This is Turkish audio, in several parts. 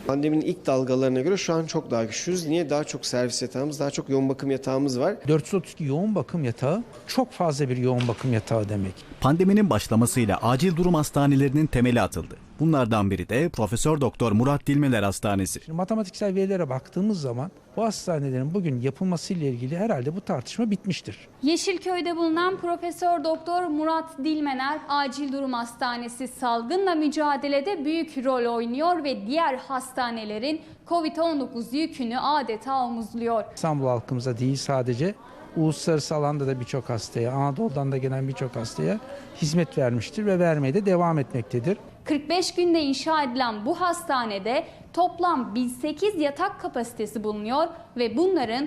Pandeminin ilk dalgalarına göre şu an çok daha güçlüyüz. Niye? Daha çok servis yatağımız, daha çok yoğun bakım yatağımız var. 432 yoğun bakım yatağı çok fazla bir yoğun bakım yatağı demek. Pandeminin başlamasıyla acil durum hastanelerinin temeli atıldı. Bunlardan biri de Profesör Doktor Murat Dilmeler Hastanesi. Şimdi matematiksel verilere baktığımız zaman bu hastanelerin bugün yapılmasıyla ilgili herhalde bu tartışma bitmiştir. Yeşilköy'de bulunan Profesör Doktor Murat Dilmener Acil Durum Hastanesi salgınla mücadelede büyük rol oynuyor ve diğer hastanelerin Covid-19 yükünü adeta omuzluyor. İstanbul halkımıza değil, sadece uluslararası alanda da birçok hastaya, Anadolu'dan da gelen birçok hastaya hizmet vermiştir ve vermeye de devam etmektedir. 45 günde inşa edilen bu hastanede toplam 1008 yatak kapasitesi bulunuyor ve bunların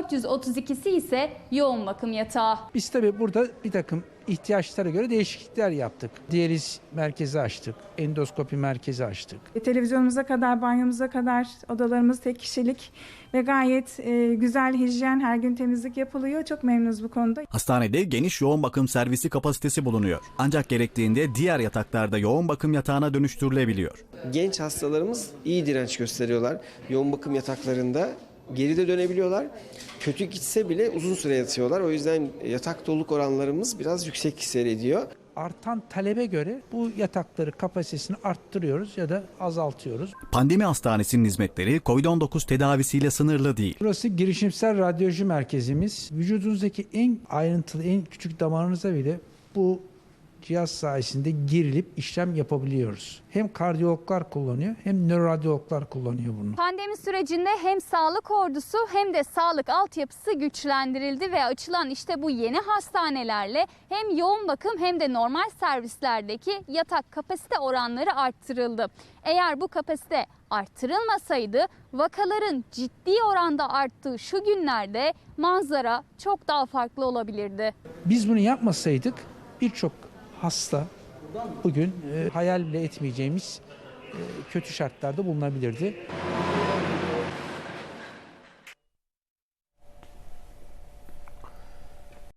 432'si ise yoğun bakım yatağı. Biz tabii burada bir takım ihtiyaçlara göre değişiklikler yaptık. Diyaliz merkezi açtık, endoskopi merkezi açtık. Televizyonumuza kadar, banyomuza kadar odalarımız tek kişilik ve gayet güzel, hijyen, her gün temizlik yapılıyor. Çok memnunuz bu konuda. Hastanede geniş yoğun bakım servisi kapasitesi bulunuyor. Ancak gerektiğinde diğer yataklarda yoğun bakım yatağına dönüştürülebiliyor. Genç hastalarımız iyi direnç gösteriyorlar. Yoğun bakım yataklarında geride dönebiliyorlar. Kötü gitse bile uzun süre yatıyorlar. O yüzden yatak doluluk oranlarımız biraz yüksek seyrediyor. Artan talebe göre bu yatakları kapasitesini arttırıyoruz ya da azaltıyoruz. Pandemi hastanesinin hizmetleri COVID-19 tedavisiyle sınırlı değil. Burası girişimsel radyoloji merkezimiz. Vücudunuzdaki en ayrıntılı, en küçük damarınıza bile bu cihaz sayesinde girilip işlem yapabiliyoruz. Hem kardiyologlar kullanıyor hem nöroradyologlar kullanıyor bunu. Pandemi sürecinde hem sağlık ordusu hem de sağlık altyapısı güçlendirildi ve açılan işte bu yeni hastanelerle hem yoğun bakım hem de normal servislerdeki yatak kapasite oranları arttırıldı. Eğer bu kapasite arttırılmasaydı vakaların ciddi oranda arttığı şu günlerde manzara çok daha farklı olabilirdi. Biz bunu yapmasaydık birçok hasta bugün hayal bile etmeyeceğimiz kötü şartlarda bulunabilirdi.